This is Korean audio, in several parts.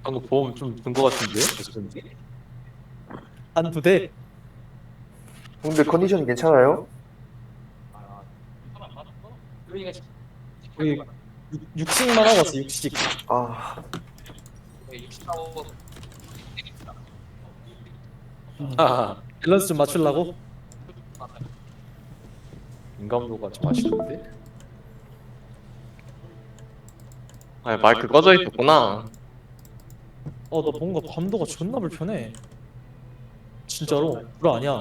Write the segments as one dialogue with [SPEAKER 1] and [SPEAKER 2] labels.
[SPEAKER 1] 방금 보험 좀 든 거 같은데? 어쩐지?
[SPEAKER 2] 한두 대.
[SPEAKER 3] 근데 컨디션이 괜찮아요?
[SPEAKER 2] 우리 60만 하고 왔어. 60.
[SPEAKER 3] 아,
[SPEAKER 1] 아,
[SPEAKER 2] 밸런스 좀 맞추려고.
[SPEAKER 1] 인감도가 좀 아쉬운데? 아, 마이크 꺼져 있었구나.
[SPEAKER 2] 나 뭔가 감도가 존나 불편해. 진짜로. 불 아니야.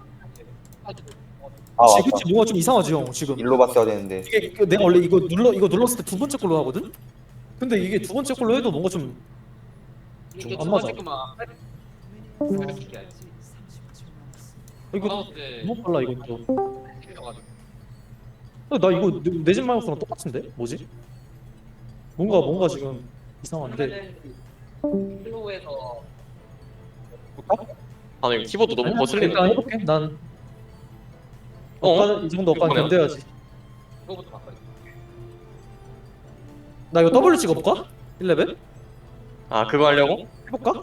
[SPEAKER 3] 아
[SPEAKER 2] 지금
[SPEAKER 3] 맞다.
[SPEAKER 2] 뭔가 좀 이상하지 형 지금.
[SPEAKER 3] 일로 봤어야 되는데.
[SPEAKER 2] 이게 내가 원래 이거 눌렀을 때 두 번째 걸로 하거든. 근데 이게 두 번째 걸로 해도 뭔가 좀 안 맞아. 이거 너무 빨라 이것도. 나 이거 내 집 마이크랑 똑같은데? 뭐지? 뭔가 지금 이상한데.
[SPEAKER 1] 아니, 키보드 너무
[SPEAKER 2] 일단
[SPEAKER 1] 거슬리는데?
[SPEAKER 2] 해볼게. 난
[SPEAKER 1] 어?
[SPEAKER 2] 이 정도 억까지
[SPEAKER 1] 이번에요?
[SPEAKER 2] 견뎌야지. 나 이거 W 찍어볼까? 1레벨?
[SPEAKER 1] 아, 그거 하려고?
[SPEAKER 2] 해볼까?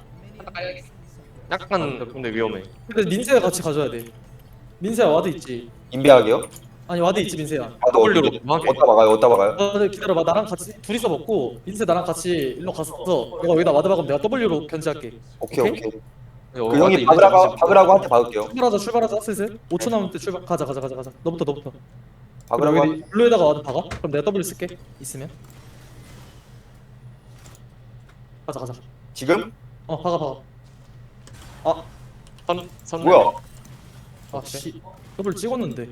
[SPEAKER 1] 약간 근데 위험해.
[SPEAKER 2] 근데 민세가 같이 가져야 돼. 민세야 와드 있지?
[SPEAKER 3] 인베하게요?
[SPEAKER 2] 아니 와드 있지 민세야.
[SPEAKER 3] 아, 너
[SPEAKER 1] W로
[SPEAKER 3] 어디?
[SPEAKER 1] 뭐 하게?
[SPEAKER 3] 어디다 막아요? 어디다 막아요?
[SPEAKER 2] 너 기다려봐. 나랑 같이 둘이서 먹고 민세 나랑 같이 일로 가서 너가 여기다 와드 박으면 내가 W로 견제할게.
[SPEAKER 3] 오케이 오케이. 그
[SPEAKER 1] 와드
[SPEAKER 3] 형이
[SPEAKER 1] 있는지
[SPEAKER 3] 박으라고 한테 박을게요.
[SPEAKER 2] 출발하자 슬슬. 5초 남을 때 출발. 가자. 너부터. 그럼
[SPEAKER 3] 박으라고
[SPEAKER 2] 여기 블루에다가 와드 박아. 그럼 내가 W 쓸게. 있으면. 가자.
[SPEAKER 3] 지금?
[SPEAKER 2] 박아. 아,
[SPEAKER 1] 선
[SPEAKER 3] 뭐야?
[SPEAKER 2] 씨. W 찍었는데.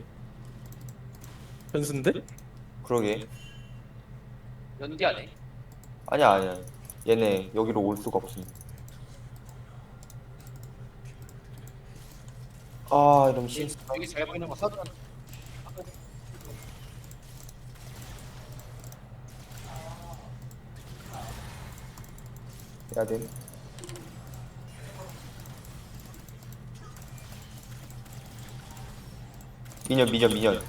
[SPEAKER 2] 변수인데?
[SPEAKER 3] 그러게.
[SPEAKER 4] 연기하네.
[SPEAKER 3] 아니야. 얘네 여기로 올 수가 없음. 아, 이러면
[SPEAKER 4] 여기 잘 보이는 거 사전.
[SPEAKER 3] 해야 돼. 미년.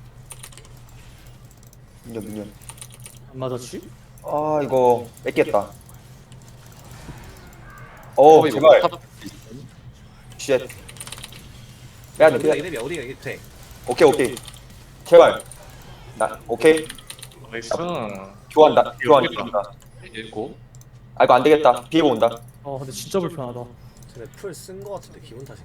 [SPEAKER 2] 안 맞았지?
[SPEAKER 3] 아, 이거 뺏겠다. 오, 제발. 쉣. 빼야 돼.
[SPEAKER 4] 어디가 이게 돼?
[SPEAKER 3] 오케이. 제발. 오케이.
[SPEAKER 1] 나이스.
[SPEAKER 3] 교환.
[SPEAKER 1] 읽고.
[SPEAKER 3] 아, 이거 안 되겠다. 비에고 온다.
[SPEAKER 2] 근데 진짜 불편하다.
[SPEAKER 4] 쟤네 풀쓴 거 같은데 기분 탓인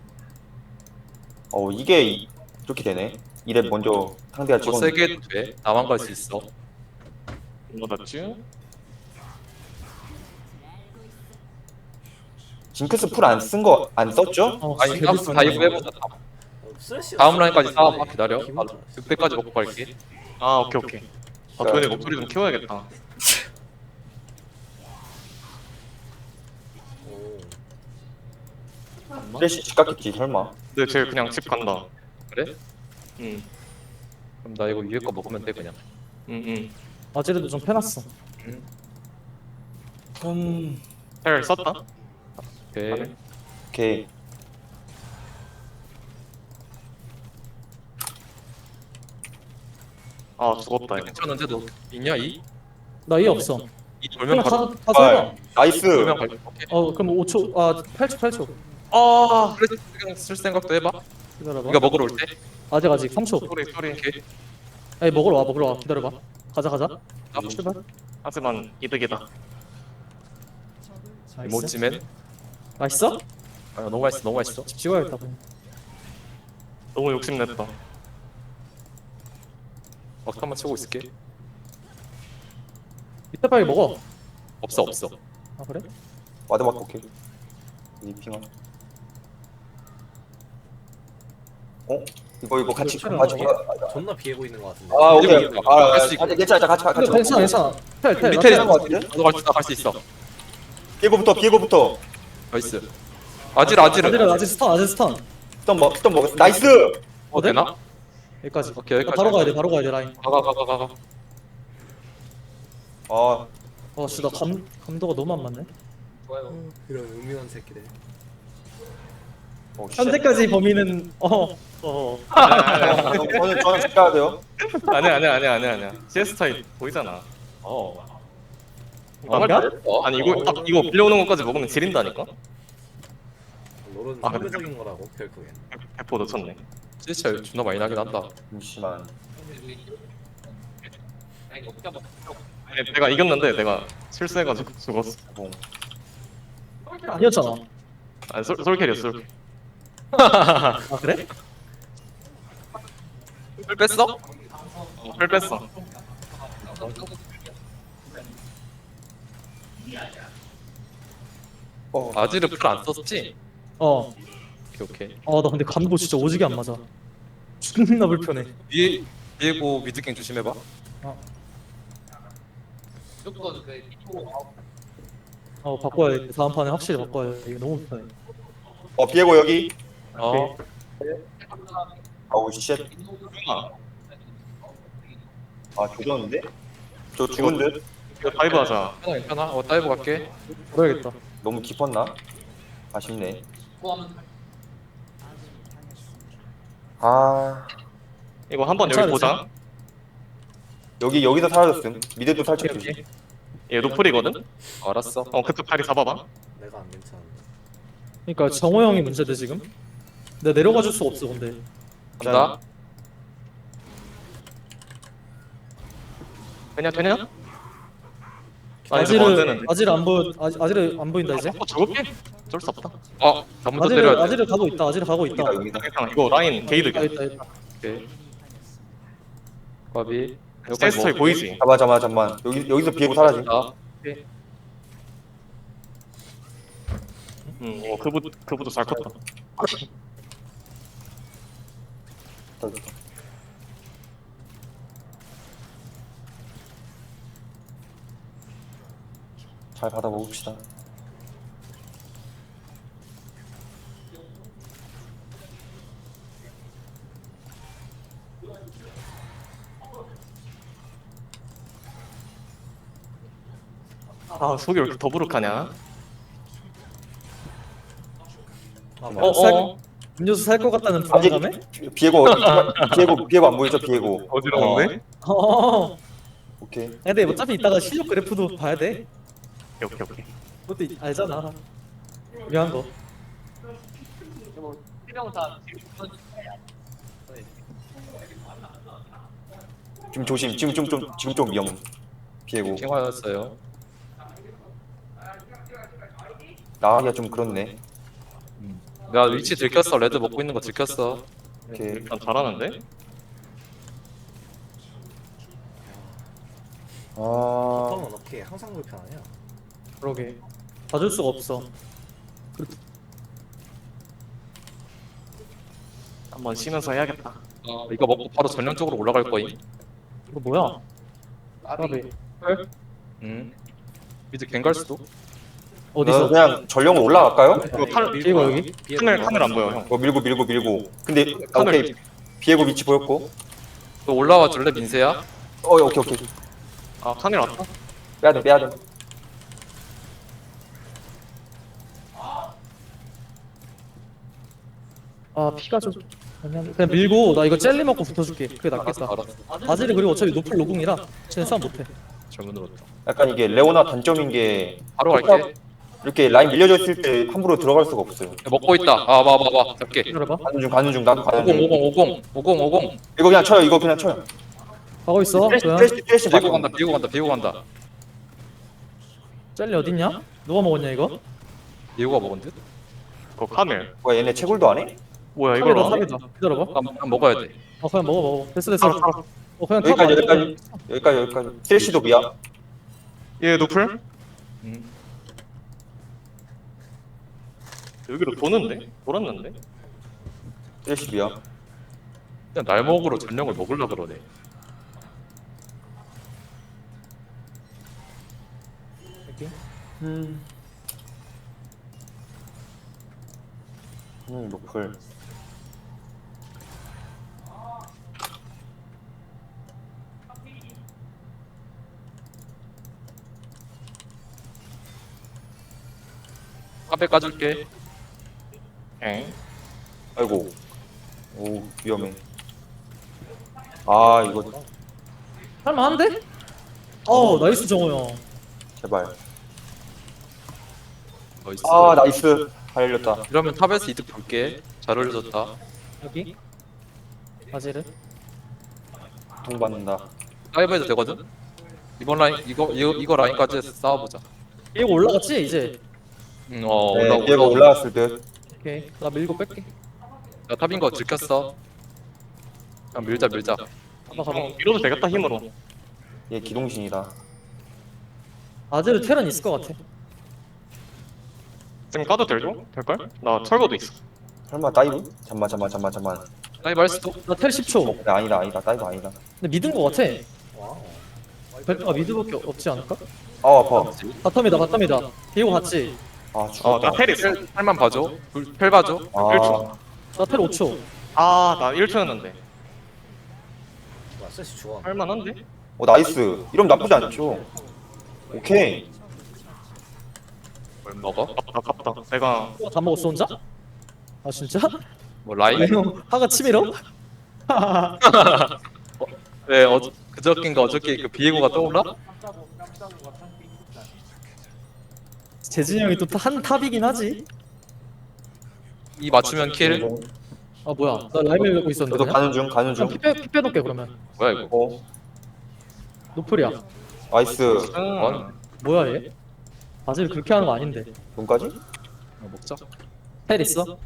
[SPEAKER 3] 이게 이렇게 되네. 이래 먼저 상대가
[SPEAKER 1] 더
[SPEAKER 3] 찍었는데.
[SPEAKER 1] 세게 해도 돼. 나만 갈 수 있어. 맞았지?
[SPEAKER 3] 징크스 풀 안 쓴 거 안 썼죠?
[SPEAKER 1] 아니, 다이브 해보자. 다음 라인까지 싸워봐. 기다려. 그때까지 먹고 갈게. 아, 오케이. 아, 도현이 목소리 좀 키워야겠다.
[SPEAKER 3] 플래시 집 갔겠지 설마.
[SPEAKER 1] 근데 쟤 그냥 집 간다. 그래? 응. 그럼 나 이거 위에 거 먹으면 돼 그냥. 응.
[SPEAKER 2] 아제르도 좀 패놨어.
[SPEAKER 1] 헬 썼다. 오케이.
[SPEAKER 3] 오케이.
[SPEAKER 1] 아 죽었다. 이거. 괜찮은데 너 있냐 이?
[SPEAKER 2] 나 이해 없어.
[SPEAKER 1] 이 돌면
[SPEAKER 2] 그냥
[SPEAKER 1] 가.
[SPEAKER 2] 가서 해봐.
[SPEAKER 3] 나이스.
[SPEAKER 1] 돌면 갈. 오케이.
[SPEAKER 2] 그럼 5초. 8초.
[SPEAKER 1] 아 그래 그냥 쓸 생각도 해봐.
[SPEAKER 2] 기다려봐.
[SPEAKER 1] 우리가 먹으러 올 때.
[SPEAKER 2] 아직 3초.
[SPEAKER 1] 소리 이렇게.
[SPEAKER 2] 아니 먹으러 와. 기다려봐. 가자. 출발.
[SPEAKER 1] 하지만 이득이다.
[SPEAKER 2] 나이스.
[SPEAKER 1] 모찌맨.
[SPEAKER 2] 맛있어?
[SPEAKER 1] 아 너무 맛있어.
[SPEAKER 2] 집 찍어야겠다. 그럼.
[SPEAKER 1] 너무 욕심냈다. 막타만 치고 있을게.
[SPEAKER 2] 이따 빨리 먹어.
[SPEAKER 1] 없어.
[SPEAKER 2] 아 그래?
[SPEAKER 3] 와드 맞고 오케이. 리핑아. 이거 같이
[SPEAKER 2] 이거
[SPEAKER 3] 가지고.
[SPEAKER 4] 존나 비애고 있는 거 같은데.
[SPEAKER 3] 아, 오케이.
[SPEAKER 1] 이거 갈수 있고.
[SPEAKER 3] 괜찮아. 같이 가.
[SPEAKER 2] 근데 괜찮아. 텔.
[SPEAKER 1] 밑에
[SPEAKER 3] 나거 같은데?
[SPEAKER 1] 너도 갈 수 있어.
[SPEAKER 3] 비에고부터.
[SPEAKER 1] 나이스. 아질.
[SPEAKER 2] 아직 스턴.
[SPEAKER 3] 스턴 먹었어. 나이스.
[SPEAKER 1] 되나?
[SPEAKER 2] 여기까지.
[SPEAKER 1] 오케이, 여기까지.
[SPEAKER 2] 바로 가야 돼 라인.
[SPEAKER 1] 가.
[SPEAKER 3] 아,
[SPEAKER 2] 나 감도가 너무 안 맞네.
[SPEAKER 4] 좋아요. 이런 음흉한 새끼들.
[SPEAKER 2] 현재까지 범인은
[SPEAKER 3] 저는 집 가야 돼요.
[SPEAKER 1] 아니야. CS 타입 보이잖아. 정말
[SPEAKER 2] 야?
[SPEAKER 1] 잘했어. 아니 이거 딱 이거 빌려오는 것까지 먹으면 지린다니까.
[SPEAKER 4] 롤은
[SPEAKER 1] 아,
[SPEAKER 4] 상대적인 거라고 결국엔.
[SPEAKER 1] 100% 놓쳤네.
[SPEAKER 2] 진짜 존나 많이 나긴 한다.
[SPEAKER 3] 잠시만.
[SPEAKER 1] 아니, 내가 이겼는데 내가 실수해가지고 죽었어.
[SPEAKER 3] 뭐.
[SPEAKER 2] 아니었잖아.
[SPEAKER 1] 아니 솔캐리였어. 솔.
[SPEAKER 2] 아 그래?
[SPEAKER 1] 풀 뺐어? 풀 뺐어.
[SPEAKER 5] 아지르 풀 안 썼지?
[SPEAKER 2] 어.
[SPEAKER 5] 오케이.
[SPEAKER 2] 아 나 근데 감도 진짜 오지게 안 맞아. 존나 불편해.
[SPEAKER 5] 비에고 미드갱 조심해봐.
[SPEAKER 2] 바꿔야 돼. 다음 판에 확실히 바꿔야 돼. 이거 너무 불편해.
[SPEAKER 3] 비에고 여기.
[SPEAKER 5] 어.
[SPEAKER 3] 아우 쉣. 아 조졌는데? 저 죽은 듯?
[SPEAKER 1] 이거 다이브 하자.
[SPEAKER 5] 괜찮아. 다이브 갈게.
[SPEAKER 2] 그래야겠다.
[SPEAKER 3] 너무 깊었나? 아쉽네. 아
[SPEAKER 1] 이거 한번 여기 보자.
[SPEAKER 3] 여기서 사라졌음. 미드도 살짝
[SPEAKER 2] 오케이,
[SPEAKER 3] 조심.
[SPEAKER 1] 얘 노플이거든.
[SPEAKER 5] 알았어.
[SPEAKER 1] 그쪽 다리 잡아봐.
[SPEAKER 4] 내가 안 괜찮은데.
[SPEAKER 2] 그러니까 정호 형이 문제돼 지금. 내가 내려가 줄 수가 없어 근데.
[SPEAKER 5] 간다.
[SPEAKER 1] 되냐? 아 이제 뭐안 되는데.
[SPEAKER 2] 아지르 안 보여. 아지르 안 보인다 이제.
[SPEAKER 1] 죽을게? 어쩔 수 없다.
[SPEAKER 5] 나부터 때려야 돼.
[SPEAKER 2] 아지르 가고 있다. 아지르 가고 있다.
[SPEAKER 3] 여기다.
[SPEAKER 1] 괜찮아. 이거 라인 게이드.
[SPEAKER 2] 있다 있다.
[SPEAKER 5] 오케이. 까비.
[SPEAKER 1] 세스터에 보이지?
[SPEAKER 3] 잠깐만. 여기서 비에고 사라짐.
[SPEAKER 5] 아,
[SPEAKER 1] 이거 그부도 잘 컸다.
[SPEAKER 3] 잘 받아 먹읍시다.
[SPEAKER 1] 아 속이 왜 이렇게 더부룩하냐?
[SPEAKER 2] 음료수 살 것 같다는 불안감에?
[SPEAKER 3] 비에고 안 보이죠? 비에고.
[SPEAKER 1] 어지러운데?
[SPEAKER 3] 오케이.
[SPEAKER 2] 근데 어차피 이따가 실력 그래프도 봐야 돼.
[SPEAKER 1] 오케이.
[SPEAKER 2] 그것도 알잖아. 중요한 거.
[SPEAKER 3] 지금 조심. 지금 좀 위험. 비에고.
[SPEAKER 5] 킹화였어요.
[SPEAKER 3] 나가기가 좀 그렇네.
[SPEAKER 5] 야 위치 들켰어. 레드 먹고 있는 거 들켰어.
[SPEAKER 3] 오케이.
[SPEAKER 1] 일단 잘하는데?
[SPEAKER 3] 아
[SPEAKER 4] 보통은 어떻게 항상 불편하냐?
[SPEAKER 2] 그러게. 봐줄 수가 없어.
[SPEAKER 1] 한번 쉬면서 해야겠다.
[SPEAKER 5] 이거 먹고 바로 전령적으로 올라갈 거임.
[SPEAKER 2] 이거 뭐야? 까비.
[SPEAKER 5] 미드 갱갈 수도.
[SPEAKER 2] 어디서?
[SPEAKER 3] 그냥 전령으로 올라갈까요?
[SPEAKER 1] 이거 칼
[SPEAKER 2] 비에고 여기?
[SPEAKER 1] 카멜 안 보여 형.
[SPEAKER 3] 밀고. 근데 오케이. 비에고 위치 보였고.
[SPEAKER 5] 너 올라와 줄래 민세야?
[SPEAKER 3] 오케이.
[SPEAKER 1] 아 카멜 왔다.
[SPEAKER 3] 빼야 돼.
[SPEAKER 2] 아 피가 좀. 그냥 밀고 나 이거 젤리 먹고 붙어줄게. 그게 낫겠다.
[SPEAKER 5] 알았어.
[SPEAKER 2] 아지르 그리고 어차피 노플 노궁이라 쟤는 싸움 못해.
[SPEAKER 5] 잘못 들었다.
[SPEAKER 3] 약간 이게 레오나 단점인 게
[SPEAKER 5] 바로 갈게.
[SPEAKER 3] 이렇게 라인 밀려졌을 때 함부로 들어갈 수가 없어요.
[SPEAKER 5] 먹고 있다. 봐봐. 잡게.
[SPEAKER 2] 기다려봐.
[SPEAKER 3] 가는 중 나도 가는 중.
[SPEAKER 5] 50.
[SPEAKER 3] 이거 그냥 쳐요.
[SPEAKER 2] 가고 있어. 그냥.
[SPEAKER 3] 트래시
[SPEAKER 5] 비고 간다.
[SPEAKER 2] 젤리 어딨냐? 누가 먹었냐 이거?
[SPEAKER 5] 비고가 먹은 듯?
[SPEAKER 1] 그거 카멜.
[SPEAKER 3] 뭐야 얘네 채굴도 안 해?
[SPEAKER 1] 뭐야
[SPEAKER 2] 탑이다
[SPEAKER 1] 이거?
[SPEAKER 2] 탑이다. 기다려봐.
[SPEAKER 5] 한번 먹어야 돼.
[SPEAKER 2] 그냥 먹어. 됐어. 그냥 탑.
[SPEAKER 3] 여기까지. 트래시도 미야.
[SPEAKER 1] 얘 노플? 여기로 돌았는데?
[SPEAKER 3] 트래시 미야.
[SPEAKER 5] 그냥 날먹으로 전령을 먹으려 그러네.
[SPEAKER 3] 노플.
[SPEAKER 5] 카페 까줄게.
[SPEAKER 1] 엥?
[SPEAKER 3] 아이고. 오 위험해. 아 이거
[SPEAKER 2] 할만한데? 나이스 정호 형.
[SPEAKER 3] 제발.
[SPEAKER 5] 나이스.
[SPEAKER 3] 아 나이스. 달렸다.
[SPEAKER 5] 이러면 탑에서 이득 볼게. 잘 올려줬다.
[SPEAKER 2] 여기 바지를
[SPEAKER 3] 동 받는다.
[SPEAKER 5] 다이브해도 되거든. 이번 라인 이거 라인까지 해서 싸워보자.
[SPEAKER 2] 이거 올라갔지 이제.
[SPEAKER 3] 네,
[SPEAKER 5] 올라오고.
[SPEAKER 3] 얘가 올라왔을 듯.
[SPEAKER 2] 오케이 나 밀고 뺄게.
[SPEAKER 5] 나 탑인 거 들켰어. 그냥 밀자.
[SPEAKER 2] 가봐.
[SPEAKER 1] 밀어도 되겠다 힘으로.
[SPEAKER 3] 얘 기동신이다.
[SPEAKER 2] 바지를 테란 있을 것 같아.
[SPEAKER 1] 지금 까도 될죠? 될걸? 나 철거도 있어.
[SPEAKER 3] 설마 다이브? 잠만.
[SPEAKER 5] 다이브 할 수도.
[SPEAKER 2] 나 텔 10초.
[SPEAKER 3] 네, 아니다. 다이브 아니다.
[SPEAKER 2] 근데 믿은 것 같아.
[SPEAKER 4] 와우.
[SPEAKER 2] 벨트가 미드밖에 없지 않을까?
[SPEAKER 3] 아 아파.
[SPEAKER 2] 바텀이다. 비고 갔지.
[SPEAKER 3] 아 죽었다.
[SPEAKER 1] 나 텔 있어.
[SPEAKER 5] 펠만 봐줘. 펠 봐줘.
[SPEAKER 3] 아
[SPEAKER 2] 나 텔 5초.
[SPEAKER 1] 나 1초였는데.
[SPEAKER 4] 와 셋이 좋아.
[SPEAKER 1] 할만한데?
[SPEAKER 3] 나이스. 이러면 나쁘지 않죠. 오케이.
[SPEAKER 5] 뭘 먹어?
[SPEAKER 1] 아깝다. 내가
[SPEAKER 2] 다 먹었어 혼자? 아 진짜?
[SPEAKER 5] 뭐 라인?
[SPEAKER 2] 형 하가 치밀어?
[SPEAKER 5] 왜 그저께인가 어저께 그 비에고가 떠올라?
[SPEAKER 2] 재진이 형이 또 한 탑이긴 하지.
[SPEAKER 5] 이 맞추면 킬.
[SPEAKER 2] 아 뭐야? 나 라임을 갖고 있었는데.
[SPEAKER 3] 저도
[SPEAKER 2] 그냥?
[SPEAKER 3] 가는 중.
[SPEAKER 2] 그냥 피 빼놓게 그러면.
[SPEAKER 5] 뭐야 이거?
[SPEAKER 2] 노플이야.
[SPEAKER 3] 나이스.
[SPEAKER 2] 뭐야 얘? 바지를 그렇게 하는 거 아닌데.
[SPEAKER 3] 돈까지?
[SPEAKER 5] 먹자.
[SPEAKER 2] 텔 있어?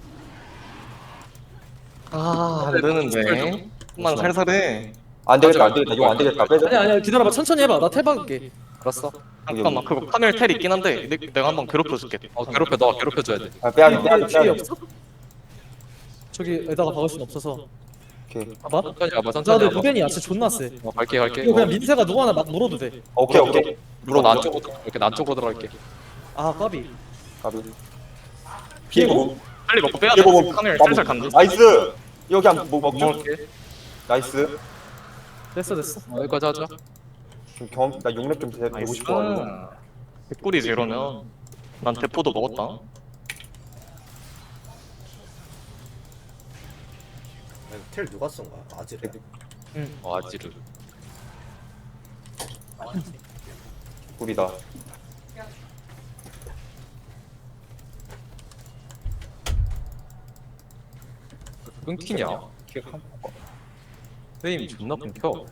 [SPEAKER 1] 안 되는데. 만 살살해.
[SPEAKER 3] 안 되겠다. 이거 안 되겠다. 빼자.
[SPEAKER 2] 아니야 기다려봐 천천히 해봐. 나 텔 박을게.
[SPEAKER 5] 알았어.
[SPEAKER 1] 잠깐만 그거 카멜 텔 있긴 한데 내가 한번 괴롭혀줄게.
[SPEAKER 5] 괴롭혀 너 괴롭혀줘야 돼.
[SPEAKER 2] 뒤에 없어? 저기에다가 박을 순 없어서.
[SPEAKER 3] 오케이.
[SPEAKER 2] 봐봐.
[SPEAKER 5] 천천히 와봐. 천천히
[SPEAKER 2] 나도
[SPEAKER 5] 와봐.
[SPEAKER 2] 무벤이 야채 존나 세.
[SPEAKER 5] 갈게.
[SPEAKER 2] 이거 그냥 민세가 누구 하나 막 물어도 돼.
[SPEAKER 3] 오케이.
[SPEAKER 5] 물어 난 쪽으로 이렇게 난 쪽으로 들어갈게.
[SPEAKER 2] 아 까비.
[SPEAKER 3] 가비.
[SPEAKER 2] 비에고?
[SPEAKER 1] 빨리 먹고 빼야 돼. 카멜 살살 간다.
[SPEAKER 3] 나이스. 여기 한번 먹죠.
[SPEAKER 5] 먹을게.
[SPEAKER 3] 나이스.
[SPEAKER 2] 됐어.
[SPEAKER 5] 여기까지 하자.
[SPEAKER 3] 지금 나 용렙 좀 되고 싶어.
[SPEAKER 1] 개꿀이지 이러면. 난 대포도 먹었다.
[SPEAKER 4] 텔 누가 쓴 거야? 아지래.
[SPEAKER 5] 아지르.
[SPEAKER 3] 꿀이다.
[SPEAKER 5] 끊기냐? 게임 존나 끊겨.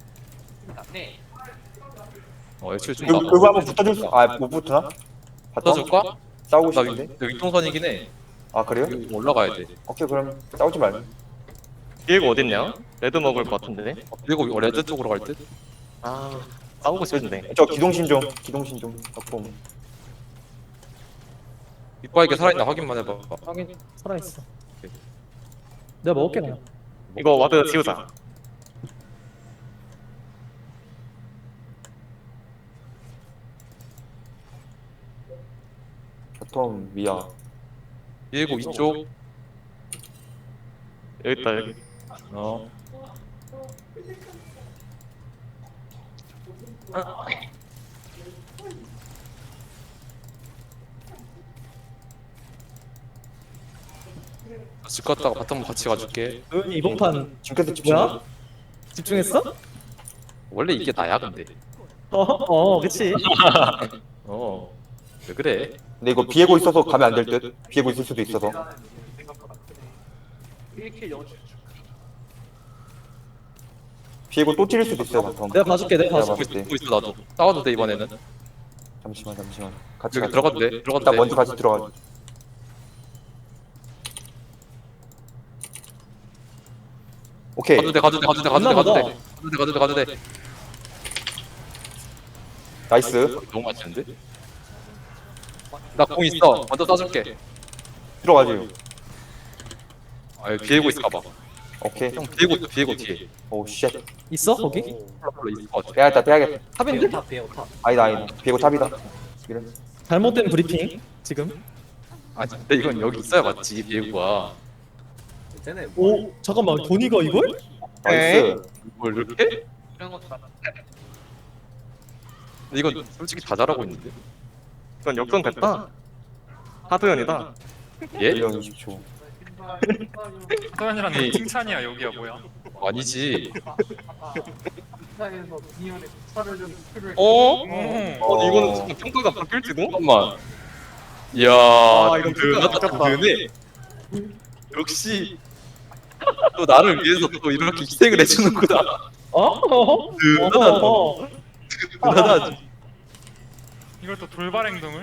[SPEAKER 5] 애초에 좀
[SPEAKER 3] 그거 한번 붙어줄 수? 못 붙으나?
[SPEAKER 5] 붙어줄까?
[SPEAKER 3] 싸우고
[SPEAKER 5] 나
[SPEAKER 3] 싶은데.
[SPEAKER 5] 윗동선이긴 해.
[SPEAKER 3] 아 그래요?
[SPEAKER 5] 여기 올라가야 돼.
[SPEAKER 3] 오케이 그럼 싸우지 말고.
[SPEAKER 1] 비에고 어딨냐? 레드 먹을 것 같은데.
[SPEAKER 5] 그리고 레드 쪽으로 갈 듯?
[SPEAKER 1] 싸우고 싶은데.
[SPEAKER 3] 저 기동신 좀 갖고.
[SPEAKER 5] 이빠이게 살아있나 확인만 해봐.
[SPEAKER 2] 확인 살아있어. 내가 먹을게 그냥.
[SPEAKER 1] 이거 와드 지우자.
[SPEAKER 3] 바텀 미야.
[SPEAKER 5] 비에고 이쪽.
[SPEAKER 1] 여기 있다 여기.
[SPEAKER 5] 집 갔다가 바텀 같이 가줄게.
[SPEAKER 2] 도현이 이번 판
[SPEAKER 3] 징크스 집중.
[SPEAKER 2] 뭐야? 집중했어?
[SPEAKER 5] 원래 이게 나야 근데.
[SPEAKER 2] 그치.
[SPEAKER 5] 왜 그래?
[SPEAKER 3] 근데 이거 비에고 있어서 가면 안 될 듯. 비에고 있을 수도 있어서. 비에고 또 찌를 수도 있어요 바텀.
[SPEAKER 2] 내가 봐줄게.
[SPEAKER 3] 내가
[SPEAKER 5] 보고
[SPEAKER 3] 봤을 때.
[SPEAKER 5] 있어 나도. 싸워도 돼 이번에는.
[SPEAKER 3] 잠시만. 같이
[SPEAKER 5] 여기
[SPEAKER 3] 가자.
[SPEAKER 5] 들어가도 돼. 들어가도
[SPEAKER 3] 일단
[SPEAKER 5] 돼.
[SPEAKER 3] 먼저 같이 들어가. 오케이.
[SPEAKER 5] 가도 돼. 가도 돼.
[SPEAKER 3] 나이스.
[SPEAKER 5] 너무 맛있는데? 나 공 있어. 먼저 쏴줄게.
[SPEAKER 3] 들어가지.
[SPEAKER 5] 여기 비에고 있을까봐.
[SPEAKER 3] 오케이.
[SPEAKER 5] 형 비에고 뒤에.
[SPEAKER 3] 오 쉣.
[SPEAKER 2] 있어 거기?
[SPEAKER 5] 홀로 있을 것 같아.
[SPEAKER 3] 빼야겠다.
[SPEAKER 2] 탑인데?
[SPEAKER 4] 탑 비에고 탑.
[SPEAKER 3] 아니다. 비에고 탑이다. 이래.
[SPEAKER 2] 잘못된 브리핑 지금.
[SPEAKER 5] 근데 이건 여기 있어야 맞지 비에고가.
[SPEAKER 4] 쟤네
[SPEAKER 2] 오 잠깐만 도니가 이걸?
[SPEAKER 3] 나이스.
[SPEAKER 5] 뭘 이렇게? 근데 이건 솔직히 다 잘하고 있는데.
[SPEAKER 1] 이건 역전 됐다. 하드연이다.
[SPEAKER 5] 예?
[SPEAKER 3] 1년 20초.
[SPEAKER 6] 소연이라는 칭찬이야 여기야 뭐야?
[SPEAKER 5] 아니지.
[SPEAKER 1] 어?
[SPEAKER 3] 어.
[SPEAKER 1] 이거는 지금 평가가 바뀔지도? 잠깐만. 이야,
[SPEAKER 5] 이건
[SPEAKER 1] 든든하다,
[SPEAKER 5] 바뀌었다.
[SPEAKER 1] 든든해. 역시 또 나를 위해서 또 이렇게 희생을 해주는구나.
[SPEAKER 2] 어?
[SPEAKER 1] 든든하다. 든든하다.
[SPEAKER 6] 이걸 또 돌발 행동을?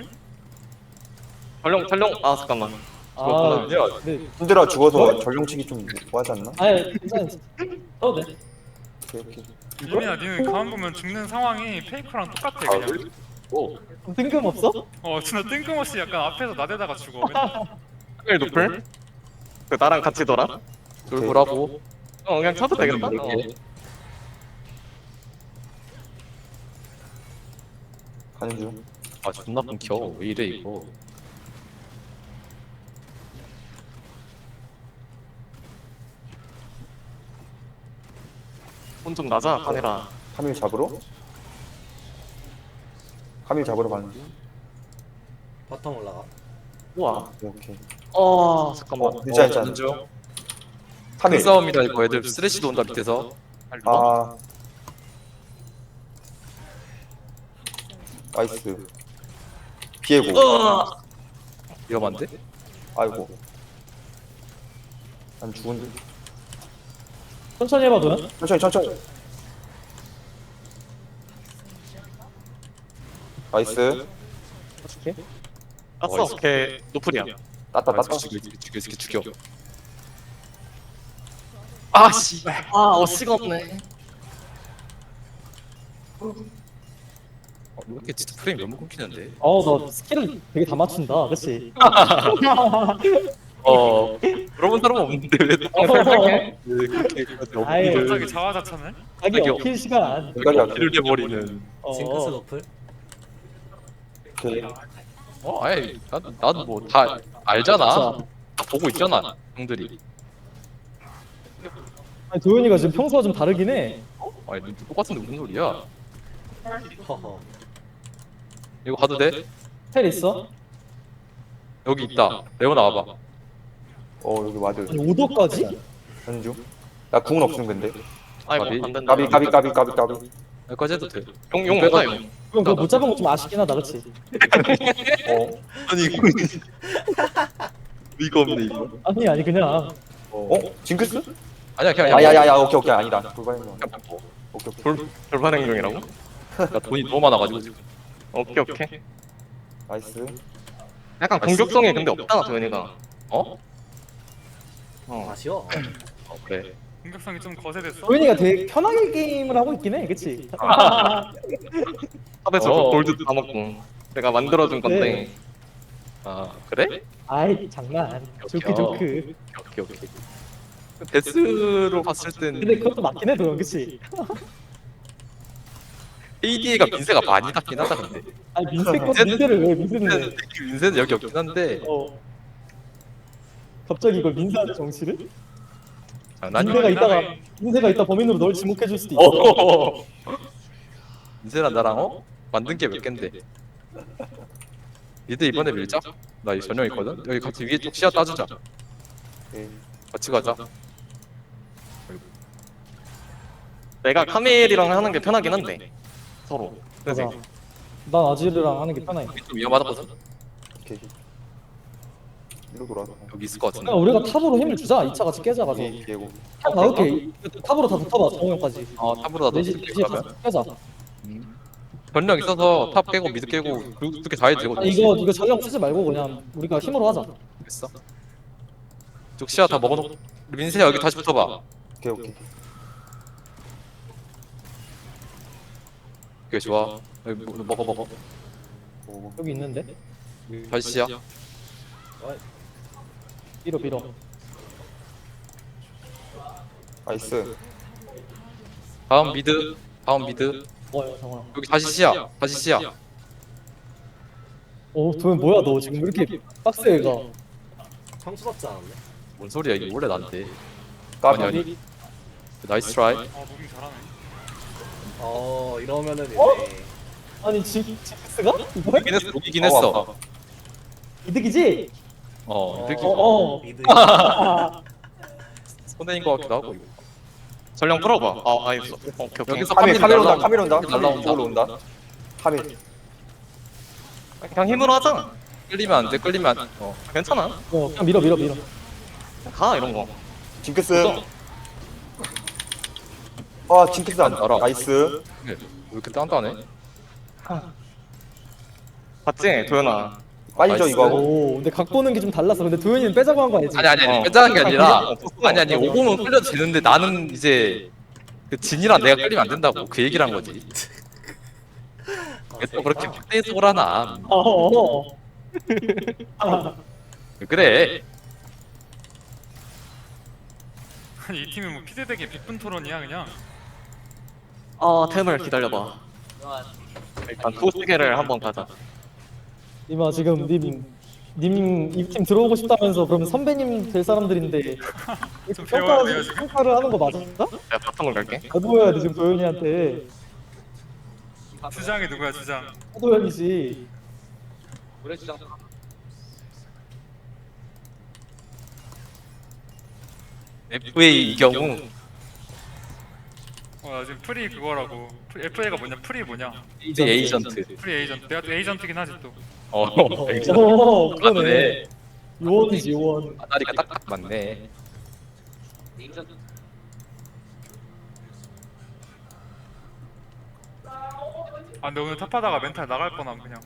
[SPEAKER 1] 촬영. 아 잠깐만.
[SPEAKER 2] 아,
[SPEAKER 1] 그렇구나.
[SPEAKER 2] 네.
[SPEAKER 3] 힘들어 죽어서 전령치기 좀 뭐하지 않나?
[SPEAKER 2] 아니 괜찮아. 떠도 돼.
[SPEAKER 3] 오케이 오케이.
[SPEAKER 6] 유민아 니는 가만 보면 죽는 상황이 페이커랑 똑같아
[SPEAKER 1] 아,
[SPEAKER 6] 그냥.
[SPEAKER 1] 그래? 오.
[SPEAKER 2] 뜬금없어?
[SPEAKER 6] 진짜 뜬금없이 약간 앞에서 나대다가 죽어. 맨날.
[SPEAKER 1] 일 노플? 그 나랑 같이 돌아?
[SPEAKER 5] 돌보라고.
[SPEAKER 1] 그냥 쳐도 되겠다.
[SPEAKER 5] 이렇게.
[SPEAKER 3] 가는 중.
[SPEAKER 5] 아 존나 끊겨. 왜 이래 이거.
[SPEAKER 1] 혼 좀 나자, 카메라.
[SPEAKER 3] 카밀 잡으러? 카밀 잡으러 가는 중.
[SPEAKER 4] 바텀 올라가.
[SPEAKER 1] 우와.
[SPEAKER 3] 오케이 오케이.
[SPEAKER 1] 잠깐만.
[SPEAKER 3] 괜찮아 괜찮아.
[SPEAKER 5] 큰
[SPEAKER 3] 카밀.
[SPEAKER 5] 싸움이다 이거. 애들 쓰레쉬도 온다 밑에서.
[SPEAKER 3] 아. 나이스. 비에고.
[SPEAKER 5] 위험한데?
[SPEAKER 3] 아이고. 난 죽은데.
[SPEAKER 2] 천천히 해봐도.
[SPEAKER 3] 천천히. 나이스.
[SPEAKER 2] 어떻게?
[SPEAKER 1] 땄어. 오케이. 노플이야.
[SPEAKER 3] 따따.
[SPEAKER 5] 죽여.
[SPEAKER 1] 아씨. 어씨가 없네.
[SPEAKER 5] 왜 이렇게 진짜 프레임 너무 끊기는데?
[SPEAKER 2] 너 스킬을 되게 다 맞춘다, 그렇지?
[SPEAKER 1] 그런 사람 없는데 왜?
[SPEAKER 2] 아예
[SPEAKER 6] 갑자기 자화자찬을?
[SPEAKER 2] 자기 어필 시간.
[SPEAKER 1] 길을 내버리는.
[SPEAKER 4] 징크스 노플.
[SPEAKER 3] 오케이.
[SPEAKER 5] 아예 나도 뭐 다 알잖아.
[SPEAKER 2] 자,
[SPEAKER 5] 다 보고 있잖아 형들이.
[SPEAKER 2] 아니, 도현이가 지금 평소와 좀 다르긴 해.
[SPEAKER 5] 아니 똑같은데 무슨 소리야?
[SPEAKER 4] 허허.
[SPEAKER 5] 이거 가도 돼?
[SPEAKER 2] 텔 있어?
[SPEAKER 5] 여기 있다. 레오나 와봐.
[SPEAKER 3] 여기 와드.
[SPEAKER 2] 아니 5도까지?
[SPEAKER 3] 가는 중. 나 궁은 없음 근데.
[SPEAKER 1] 아이고
[SPEAKER 5] 까비.
[SPEAKER 1] 안 된다.
[SPEAKER 3] 까비.
[SPEAKER 5] 여기까지 해도 돼.
[SPEAKER 1] 용 못하 용.
[SPEAKER 2] 그럼 그거 못 잡은 거 좀 아쉽긴 하다, 그렇지?
[SPEAKER 1] 아니 이거 없네 이거.
[SPEAKER 2] 아니 그냥
[SPEAKER 3] 징크스?
[SPEAKER 5] 아니야 그냥
[SPEAKER 3] 야야야야 오케이 아니다. 돌발행동. 오케이.
[SPEAKER 1] 돌발 행동이라고?
[SPEAKER 5] 나 돈이 너무 많아가지고 지금.
[SPEAKER 1] 오케이.
[SPEAKER 3] 나이스.
[SPEAKER 1] 약간 공격성이 근데 없다 도현이가.
[SPEAKER 4] 아쉬워.
[SPEAKER 5] 그래.
[SPEAKER 6] 공격성이 좀 거세됐어?
[SPEAKER 2] 도현이가 되게 편하게 게임을 하고 있긴 해, 그치?
[SPEAKER 1] 탑에서 골드 다 먹고 내가 만들어준 건데.
[SPEAKER 2] 네.
[SPEAKER 5] 아 그래?
[SPEAKER 2] 아이 장난. 조크.
[SPEAKER 5] 오케이. 데스로 봤을 땐
[SPEAKER 2] 근데 그것도 맞긴 해, 도현, 그치?
[SPEAKER 5] ADA가 민세가 많이 닿긴 하다 근데.
[SPEAKER 2] 아니 민세를 왜 민세는?
[SPEAKER 5] 민세는 여기 없긴 한데.
[SPEAKER 2] 갑자기 이걸 민세한테 정치를?
[SPEAKER 5] 장난이.
[SPEAKER 2] 민세가 이따 범인으로 널 지목해줄 수도 있어.
[SPEAKER 5] 민세랑 나랑 만든 게 몇 갠데. 니들 이번에 밀자. 나 이 전용 있거든. 여기 같이 위에 쪽 시야 따주자.
[SPEAKER 3] 오케이.
[SPEAKER 5] 같이 가자.
[SPEAKER 1] 내가 카멜이랑 하는 게 편하긴 한데 서로. 그래서
[SPEAKER 2] 맞아. 난 아지르랑 하는 게 편해.
[SPEAKER 5] 여기 좀 위험하다거든.
[SPEAKER 3] 오케이. 이로 돌아서.
[SPEAKER 5] 여기 있을 것 같은데.
[SPEAKER 2] 그냥 우리가 탑으로 힘을 주자. 2차 같이 깨자 가서.
[SPEAKER 3] 비에고.
[SPEAKER 2] 탑 나올게. 탑으로 다 붙어봐. 정우형까지.
[SPEAKER 5] 탑으로 다
[SPEAKER 2] 4시
[SPEAKER 5] 넣을게.
[SPEAKER 2] 다 깨자.
[SPEAKER 5] 전력 있어서 탑 깨고 미드 깨고 그렇게 다 해도 되거든.
[SPEAKER 2] 이거 전력 쓰지 말고 그냥 우리가 힘으로 하자.
[SPEAKER 5] 됐어. 쪽 시야 다 먹어놓고 민세야 여기 다시 붙어봐.
[SPEAKER 3] 오케이.
[SPEAKER 5] 오케이 좋아. 여기 먹어.
[SPEAKER 3] 오.
[SPEAKER 2] 여기 있는데.
[SPEAKER 5] 다시 시야.
[SPEAKER 2] 밀어.
[SPEAKER 3] 나이스.
[SPEAKER 5] 다음 미드.
[SPEAKER 2] 정우야.
[SPEAKER 5] 여기 다시 시야.
[SPEAKER 2] 도현 뭐야 너 지금 왜 이렇게 빡세 얘가.
[SPEAKER 4] 평소답지 않았네.
[SPEAKER 5] 뭔 소리야 이게 원래 난데.
[SPEAKER 3] 까비.
[SPEAKER 5] 아니. 나이스 트라이.
[SPEAKER 6] 무빙 잘하네.
[SPEAKER 4] 이러면은 이제
[SPEAKER 2] 아니 징크스가? 이거
[SPEAKER 5] 이기긴 했어.
[SPEAKER 2] 이득이지?
[SPEAKER 5] 이득이
[SPEAKER 2] 어.
[SPEAKER 4] 미드.
[SPEAKER 5] 손해인 것 같기도 하고 이거.
[SPEAKER 1] 전령 풀어봐. 아 알겠어. 오케이 오케이.
[SPEAKER 5] 여기서
[SPEAKER 3] 카밀 온다.
[SPEAKER 5] 날라온다.
[SPEAKER 3] 카밀 온다.
[SPEAKER 5] 날라온다.
[SPEAKER 3] 이쪽으로 온다. 카밀.
[SPEAKER 1] 그냥 힘으로 하자.
[SPEAKER 5] 끌리면 안 돼. 끌리면 안.
[SPEAKER 1] 괜찮아.
[SPEAKER 2] 그냥 밀어.
[SPEAKER 1] 가 이런 거.
[SPEAKER 3] 징크스. 아 징크스 안
[SPEAKER 5] 알아.
[SPEAKER 3] 나이스.
[SPEAKER 5] 왜 이렇게 단단해?
[SPEAKER 1] 봤지 도현아.
[SPEAKER 3] 빠지죠
[SPEAKER 5] 나이스.
[SPEAKER 3] 이거 하고.
[SPEAKER 2] 오 근데 각 보는 게 좀 달랐어. 근데 도현이는 빼자고 한 거 아니지?
[SPEAKER 5] 아니 빼자는 게 아니라 아니 오공은 끌려도 되는데 나는 이제 그 진이랑 내가 끌리면 안 된다고 그 얘기를 한 거지. 왜 또 그렇게 팩대속을 하나? 왜 그래?
[SPEAKER 6] 아니, 이 팀이 뭐 피드백의 빅분 토론이야 그냥.
[SPEAKER 1] 템을 기다려봐. 일단 투스계를 한번 가자.
[SPEAKER 2] 이마 지금 님 이 팀 들어오고 싶다면서 그러면 선배님 될 사람들인데
[SPEAKER 6] 좀 배워야 돼요, 지금.
[SPEAKER 2] 평가를 하는 거 맞아?
[SPEAKER 1] 내가 바텀을 갈게.
[SPEAKER 2] 해둬야 돼 지금 도현이한테.
[SPEAKER 6] 주장이 누구야 주장?
[SPEAKER 2] 도현이지.
[SPEAKER 5] FA 이 경우
[SPEAKER 6] 나 지금 프리 그거라고. FA가 뭐냐? 프리 뭐냐?
[SPEAKER 5] 이제 에이전트.
[SPEAKER 6] 프리 에이전트. 내가 또 에이전트긴 하지 또.
[SPEAKER 5] 에이전트.
[SPEAKER 2] 그러네. 요원이지 요원.
[SPEAKER 5] 아다리가 딱 맞네.
[SPEAKER 6] 아 근데 오늘 탑하다가 멘탈 나갈 뻔함 그냥.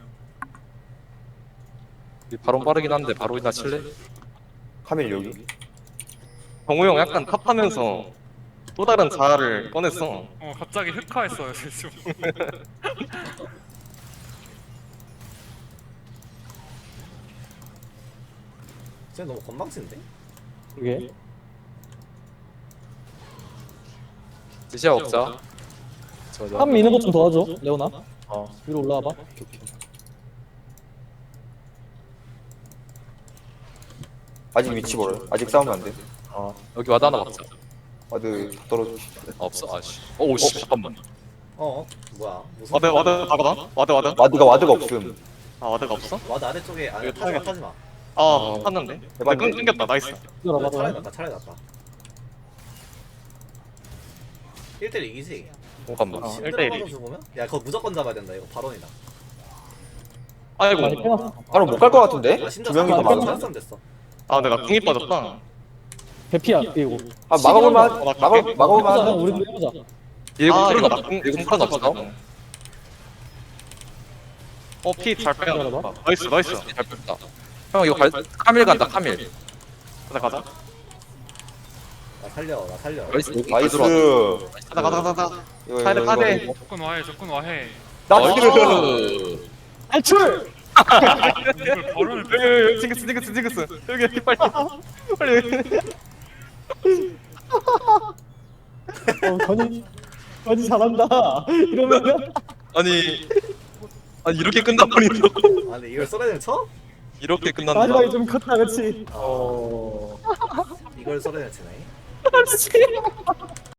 [SPEAKER 5] 바로 빠르긴 한데 바로 이나 칠래?
[SPEAKER 3] 카밀 여기.
[SPEAKER 1] 정우 형 약간 탑하면서 또 다른 자아를 꺼냈어.
[SPEAKER 6] 갑자기 흑화했어요 지금.
[SPEAKER 4] 쟤 너무 건방진데?
[SPEAKER 2] 그게.
[SPEAKER 5] 드시아 먹자.
[SPEAKER 2] 한 미는 거 좀 도와줘 레오나. 위로 올라와봐.
[SPEAKER 3] 아직 위치 멀어. 아직 싸우면 안 돼.
[SPEAKER 5] 여기 와드 하나 먹자.
[SPEAKER 3] 와드 다 떨어져.
[SPEAKER 5] 없어. 아씨. 오씨 잠깐만.
[SPEAKER 4] 뭐야? 무슨
[SPEAKER 1] 와드 가거나? 와드.
[SPEAKER 3] 와드가 없음.
[SPEAKER 1] 아 와드가 없어?
[SPEAKER 4] 와드 아래쪽에 아래
[SPEAKER 1] 이거
[SPEAKER 4] 타지마
[SPEAKER 1] 타겟.
[SPEAKER 4] 타지마.
[SPEAKER 1] 탔는데.
[SPEAKER 3] 해봤는데?
[SPEAKER 1] 끊겼다. 나이스.
[SPEAKER 2] 기다려봐.
[SPEAKER 4] 차라리 낫다 차라리 낫다. 1대1 이기지?
[SPEAKER 5] 잠깐만.
[SPEAKER 4] 신드라
[SPEAKER 1] 1대1이.
[SPEAKER 4] 받아서 보면? 야 그거 무조건 잡아야 된다 이거 발언이다.
[SPEAKER 1] 아이고.
[SPEAKER 2] 많이 빼놨어.
[SPEAKER 3] 바로 못 갈 것 같은데?
[SPEAKER 4] 아
[SPEAKER 3] 두
[SPEAKER 4] 신드라
[SPEAKER 3] 명이 더
[SPEAKER 2] 많이
[SPEAKER 3] 많아.
[SPEAKER 4] 쌈 됐어.
[SPEAKER 1] 아 내가 궁이 빠졌다.
[SPEAKER 2] 대피야 이거.
[SPEAKER 3] 아 막아볼만.
[SPEAKER 1] 시그널
[SPEAKER 2] 해보자.
[SPEAKER 3] 막아볼만.
[SPEAKER 2] 우리도 해보자.
[SPEAKER 5] 얘공
[SPEAKER 1] 아,
[SPEAKER 5] 풀은
[SPEAKER 1] 이거
[SPEAKER 5] 없어.
[SPEAKER 1] 나-
[SPEAKER 5] 얘공 풀은 없어.
[SPEAKER 1] 피 잘 빼야 돼.
[SPEAKER 2] 기다려봐.
[SPEAKER 1] 나이스.
[SPEAKER 5] 잘 뺐다. 형 이거 카밀 간다 카밀.
[SPEAKER 1] 가자.
[SPEAKER 4] 나 살려.
[SPEAKER 5] 나이스.
[SPEAKER 3] 나이스.
[SPEAKER 1] 가자.
[SPEAKER 3] 이거,
[SPEAKER 1] 카드,
[SPEAKER 3] 이거,
[SPEAKER 1] 카드.
[SPEAKER 3] 이거.
[SPEAKER 6] 조건 와해.
[SPEAKER 3] 나이스.
[SPEAKER 2] 탈출.
[SPEAKER 6] 이걸 발언을 빼.
[SPEAKER 1] 징크스. 여기 빨리.
[SPEAKER 2] 건이 잘한다. 이러면은
[SPEAKER 5] 아니 이렇게 끝나버린다고?
[SPEAKER 4] 아 근데 이걸 써레를 쳐?
[SPEAKER 5] 이렇게 끝난다.
[SPEAKER 2] 마지막에 좀 컸다 그렇지.
[SPEAKER 4] 이걸 써레를 치네.